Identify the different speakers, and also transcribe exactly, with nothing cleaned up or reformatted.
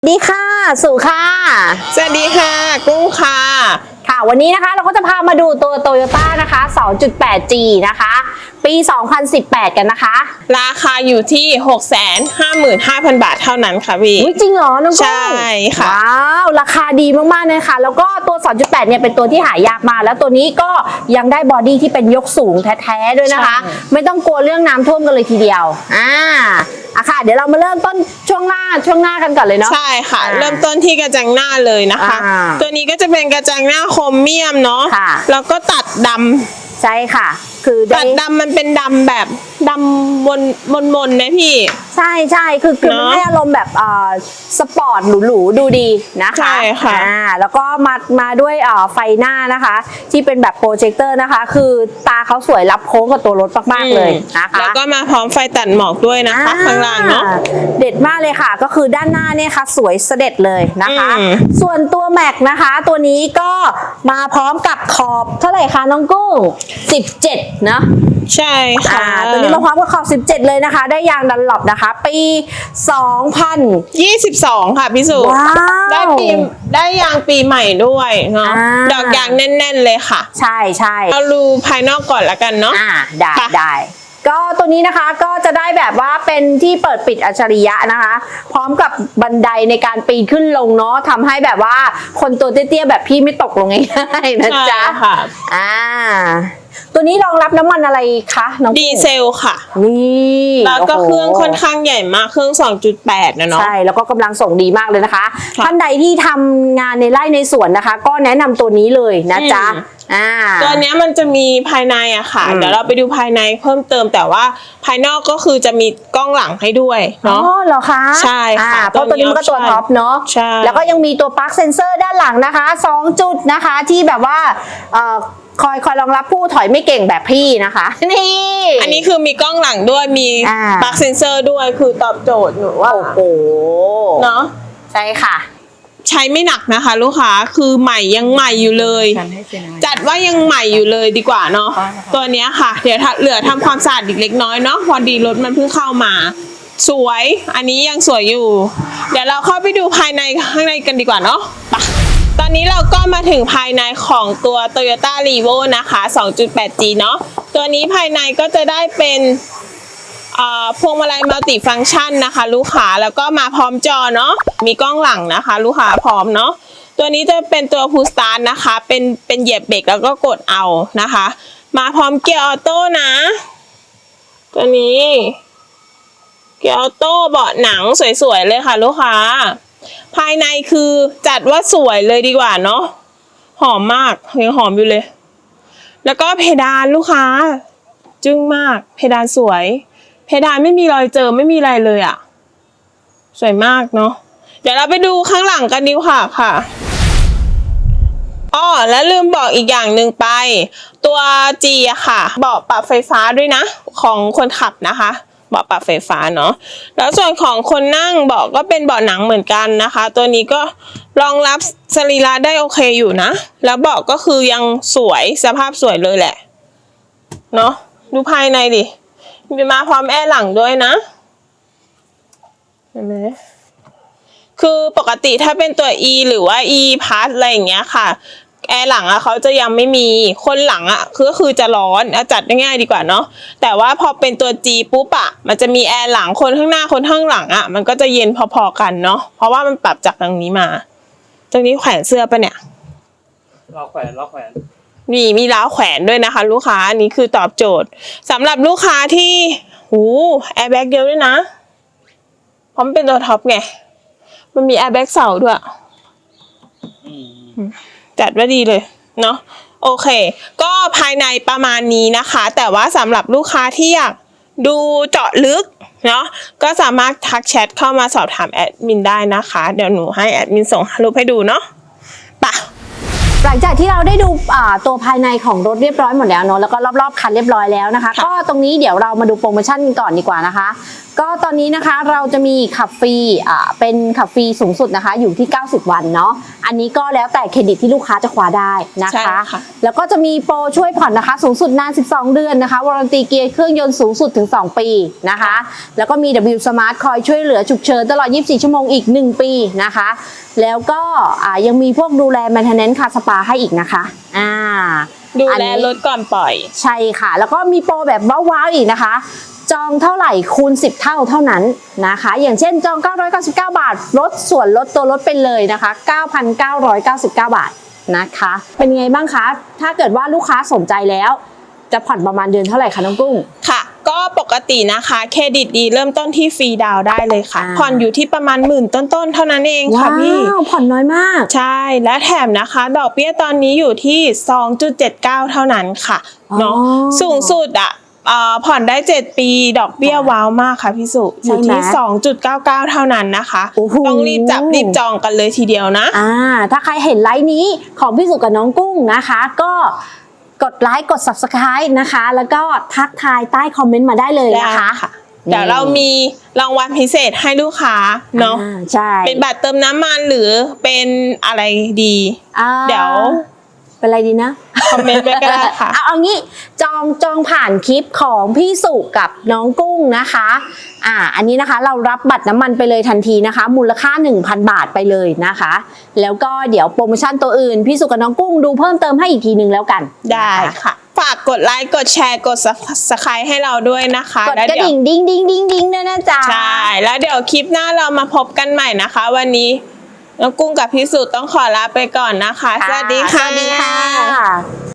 Speaker 1: ดีค่ะสุค่ะ
Speaker 2: สวัสดีค่ะกุ้งค่ะ
Speaker 1: ค่ะวันนี้นะคะเราก็จะพามาดูตัว Toyota นะคะ สองจุดแปดจี นะคะปี สองพันสิบแปด กันนะคะ
Speaker 2: ราคาอยู่ที่ หกแสนห้าหมื่นห้าพัน บาทเท่านั้นค่ะพี่
Speaker 1: จริงเหรอน้องกุ้ง
Speaker 2: ใช่ค่ะ
Speaker 1: ว้าวราคาดีมากๆเลยค่ะแล้วก็ตัว สองจุดแปด เนี่ยเป็นตัวที่หายากมากแล้วตัวนี้ก็ยังได้บอดี้ที่เป็นยกสูงแท้ๆด้วยนะคะไม่ต้องกลัวเรื่องน้ำท่วมกันเลยทีเดียวอ่าอะค่ะเดี๋ยวเรามาเริ่มต้นช่วงหน้าช่วงหน้ากันก่อนเลยเนาะ
Speaker 2: ใช่ค่ะเริ่มต้นที่กระจังหน้าเลยนะคะตัวนี้ก็จะเป็นกระจังหน้าโครเมียมเนาะแล้วก็ตัดดำ
Speaker 1: ใช่ค่ะคือ
Speaker 2: ตัดดำมันเป็นดำแบบดำมนมนมนนะพี่
Speaker 1: ใช่ใช่คือคือมันให้อารมณ์แบบอ่าสปอร์ตหรูๆดูดีนะคะ
Speaker 2: ใช่ค่ะ
Speaker 1: อ่าแล้วก็มามาด้วยอ่าไฟหน้านะคะที่เป็นแบบโปรเจคเตอร์นะคะคือตาเขาสวยรับโค้งกับตัวรถมากๆเลยนะคะ
Speaker 2: แล้วก็มาพร้อมไฟตัดหมอกด้วยนะคะข้างล่างเนาะ
Speaker 1: เด็ดมากเลยค่ะก็คือด้านหน้าเนี่ยค่ะสวยเสด็จเลยนะคะส่วนตัวแม็กนะคะตัวนี้ก็มาพร้อมกับขอบเท่าไหร่คะน้องกุ้งสิบเจ็ดเนาะ
Speaker 2: ใช่ค่ะ
Speaker 1: ตัวนี้มาพร้อมกับขอบสิบเจ็ดเลยนะคะได้ยางดันหลบนะคะปีสองพัน
Speaker 2: ยี่สิบสองค่ะพี่สุได้ปีได้ยางปีใหม่ด้วยเนาะดอกยางแน่นๆเลยค่ะ
Speaker 1: ใช่ใช่
Speaker 2: เราดูภายนอกก่อนละกันเนาะ
Speaker 1: อ่าได้ได้ก็ตัวนี้นะคะก็จะได้แบบว่าเป็นที่เปิดปิดอัจฉริยะนะคะพร้อมกับบันไดในการปีนขึ้นลงเนาะทำให้แบบว่าคนตัวเตี้ยๆแบบพี่ไม่ตกลงง่ายๆนะจ๊ะ
Speaker 2: ค่ะ
Speaker 1: อ่าตัวนี้รองรับน้ำมันอะไรคะน้อง
Speaker 2: ดีเซลค่ะ
Speaker 1: นี่
Speaker 2: แล้วก็เครื่องค่อนข้างใหญ่มากเครื่อง สองจุดแปด นะเนาะ
Speaker 1: ใช่แล้วก็กำลังส่งดีมากเลยนะคะท่านใดที่ทำงานในไร่ในสวนนะคะก็แนะนำตัวนี้เลยนะจ๊ะอ่า
Speaker 2: ตัวนี้มันจะมีภายในอะค่ะเดี๋ยวเราไปดูภายในเพิ่มเติมแต่ว่าภายนอกก็คือจะมีกล้องหลังให้ด้วยเนาะ
Speaker 1: อ๋อเหรอคะ
Speaker 2: ใช่ค่ะ
Speaker 1: เพราะตัวนี้มันก็ตัวท็อปเนาะ
Speaker 2: ใช่
Speaker 1: แล้วก็ยังมีตัวปลั๊กเซนเซอร์ด้านหลังนะคะสองจุดนะคะที่แบบว่าเอ่อคอยคอยรองรับผู้ถอยไม่เก่งแบบพี่นะคะนี่
Speaker 2: อันนี้คือมีกล้องหลังด้วยมีปลั๊กเซนเซอร์ด้วยคือตอบโจทย์หนูว่า
Speaker 1: โอ้โห
Speaker 2: เนาะ
Speaker 1: ใช่ค่ะ
Speaker 2: ใช้ไม่หนักนะคะลูกค้าคือใหม่ยังใหม่อยู่เลยจัดว่ายังใหม่อยู่เลยดีกว่าเนาะตัวนี้ค่ะเดี๋ยวเหลือทำความสะอาดอีกเล็กน้อยเนาะพอดีรถมันเพิ่งเข้ามาสวยอันนี้ยังสวยอยู่เดี๋ยวเราเข้าไปดูภายในข้างในกันดีกว่าเนาะไปตอนนี้เราก็มาถึงภายในของตัว Toyota Revo นะคะ สองจุดแปดจี เนาะตัวนี้ภายในก็จะได้เป็นพวงมาลัยมัลติฟังก์ชันนะคะลูกค้าแล้วก็มาพร้อมจอเนาะมีกล้องหลังนะคะลูกค้าพร้อมเนาะตัวนี้จะเป็นตัวพุชสตาร์ทนะคะเป็นเป็นเหยียบเบรกแล้วก็กดเอานะคะมาพร้อมเกียร์ออโต้นะตัวนี้เกียร์ออโต้เบาะหนังสวยๆเลยค่ะลูกค้าภายในคือจัดว่าสวยเลยดีกว่าเนาะหอมมากยังหอมอยู่เลยแล้วก็เพดานลูกค้าจึ้งมากเพดานสวยเพดานไม่มีรอยเจอไม่มีอะไรเลยอ่ะสวยมากเนาะเดี๋ยวเราไปดูข้างหลังกันดีกว่าค่ะอ้อแล้วลืมบอกอีกอย่างหนึ่งไปตัว G อะค่ะเบาะปรับไฟฟ้าด้วยนะของคนขับนะคะเบาะปรับไฟฟ้าเนาะแล้วส่วนของคนนั่งเบาะก็เป็นเบาะหนังเหมือนกันนะคะตัวนี้ก็รองรับสรีระได้โอเคอยู่นะแล้วเบาะก็คือยังสวยสภาพสวยเลยแหละเนาะดูภายในดิมีมาพร้อมแอร์หลังด้วยนะเห็นไหมคือปกติถ้าเป็นตัว E หรือว่า E Plus อะไรอย่างเงี้ยค่ะแอร์หลังอะเขาจะยังไม่มีคนหลังอะก็คือจะร้อนเอาจัดง่ายๆดีกว่าเนาะแต่ว่าพอเป็นตัว G ปุ๊บอะมันจะมีแอร์หลังคนข้างหน้าคนข้างหลังอะมันก็จะเย็นพอๆกันเนาะเพราะว่ามันปรับจากตรงนี้มาตรงนี้แขวนเสื้อปะเนี่ย
Speaker 3: ล้อแขวนล้อแขวน
Speaker 2: มีมีล้าวแขวนด้วยนะคะลูกค้าอันนี้คือตอบโจทย์สำหรับลูกค้าที่หูแอร์แบ็กเดียวด้วยนะเพราะมันเป็นตัวท็อปไงมันมีแอร์แบ็กเสาด้วยจัดว่าดีเลยเนาะโอเคก็ภายในประมาณนี้นะคะแต่ว่าสำหรับลูกค้าที่อยากดูเจาะลึกเนาะก็สามารถทักแชทเข้ามาสอบถามแอดมินได้นะคะเดี๋ยวหนูให้แอดมินส่งรูปให้ดูเนาะไป
Speaker 1: หลังจากที่เราได้ดูตัวภายในของรถเรียบร้อยหมดแล้วเนาะแล้วก็รอบๆคันเรียบร้อยแล้วนะคะก็ตรงนี้เดี๋ยวเรามาดูโปรโมชั่นก่อนดีกว่านะคะก็ตอนนี้นะคะเราจะมีขับฟรีอ่าเป็นขับฟรีสูงสุดนะคะอยู่ที่เก้าสิบวันเนาะอันนี้ก็แล้วแต่เครดิตที่ลูกค้าจะคว้าได้นะ
Speaker 2: ใช่
Speaker 1: คะ
Speaker 2: ค่ะ
Speaker 1: แล้วก็จะมีโปรช่วยผ่อนนะคะสูงสุดนานสิบสองเดือนนะคะวารันตีเกียร์เครื่องยนต์สูงสุดถึงสองปีนะคะแล้วก็มี ดับเบิลยู Smart คอยช่วยเหลือฉุกเฉินตลอดยี่สิบสี่ชั่วโมงอีกหนึ่งปีนะคะแล้วก็อ่ายังมีพวกดูแล Maintenance คาสปาให้อีกนะคะอ่า
Speaker 2: ดู
Speaker 1: อัน
Speaker 2: แล
Speaker 1: นี้
Speaker 2: รถก่อนปล่อย
Speaker 1: ใช่ค่ะ แล้วก็มีโปรแบบว้าวๆอีกนะคะ จองเท่าไหร่คูณสิบเท่าเท่านั้นนะคะ อย่างเช่นจองเก้าร้อยเก้าสิบเก้าบาทลดส่วนลดตัวลดไปเลยนะคะ เก้าพันเก้าร้อยเก้าสิบเก้า บาทนะคะ เป็นไงบ้างคะ ถ้าเกิดว่าลูกค้าสนใจแล้ว จะผ่อนประมาณเดือนเท่าไหร่คะน้องกุ้ง
Speaker 2: ค่ะ ก็ปกตินะคะเครดิตดีเริ่มต้นที่ฟรีดาวน์ได้เลยค่ะ
Speaker 1: อ่า
Speaker 2: ผ่อนอยู่ที่ประมาณหมื่นต้นๆเท่านั้นเองค่ะ
Speaker 1: ว้า
Speaker 2: พี่
Speaker 1: วผ่อนน้อยมาก
Speaker 2: ใช่และแถมนะคะ ดอกเบี้ยตอนนี้อยู่ที่ สองจุดเจ็ดเก้า เท่านั้นค่ะ
Speaker 1: อ๋อ
Speaker 2: เนาะสูงสุดอ่ะเอ่อผ่อนได้เจ็ดปีดอกเบี้ยว้าวมากค่ะพี่สุอยู่ที่
Speaker 1: ใช่ไหม
Speaker 2: สองจุดเก้าเก้า เท่านั้นนะคะ
Speaker 1: โอ้โห
Speaker 2: ต้องรีบจับรีบจองกันเลยทีเดียวนะ
Speaker 1: อ่าถ้าใครเห็นไลฟ์นี้ของพี่สุกับน้องกุ้งนะคะ ก็กดไลค์กด ซับสไครบ์ นะคะ แล้วก็ทักทายใต้คอมเมนต์มาได้เลย
Speaker 2: ได้
Speaker 1: นะคะ
Speaker 2: ค่ะ เดี๋ยวเรามีรางวัลพิเศษให้ลูกค้าเนาะ
Speaker 1: อ่าใช่
Speaker 2: เป็นบัตรเติมน้ำมันหรือเป็นอะไรดี
Speaker 1: อ่า
Speaker 2: เดี๋ยว
Speaker 1: เป็นอะไรดีนะ
Speaker 2: คอมเมนต์ไว้ก็ได้ค่ะ
Speaker 1: เอาเอางี้จองจองผ่านคลิปของพี่สุกับน้องกุ้งนะคะอ่าอันนี้นะคะเรารับบัตรน้ำมันไปเลยทันทีนะคะ มูลค่า หนึ่งพัน บาทไปเลยนะคะ แล้วก็เดี๋ยวโปรโมชั่นตัวอื่นพี่สุกับน้องกุ้งดูเพิ่มเติมให้อีกทีนึงแล้วกัน
Speaker 2: ได้
Speaker 1: นะคะ
Speaker 2: ค่ะ ฝากกดไลค์กดแชร์กด Subscribe ให้เราด้วยนะคะ
Speaker 1: กด
Speaker 2: แล้ว
Speaker 1: กระ
Speaker 2: เดี๋ยว
Speaker 1: ดิ่งดิ้งดิ้งดิ้งดิ้งด้วยนะจ๊ะ
Speaker 2: ใช่ แล้วเดี๋ยวคลิปหน้าเรามาพบกันใหม่นะคะ วันนี้น้องกุ้งกับพี่สุต้องขอลาไปก่อนนะคะ สวัสดีค่ะ
Speaker 1: สวัสดีค่ะ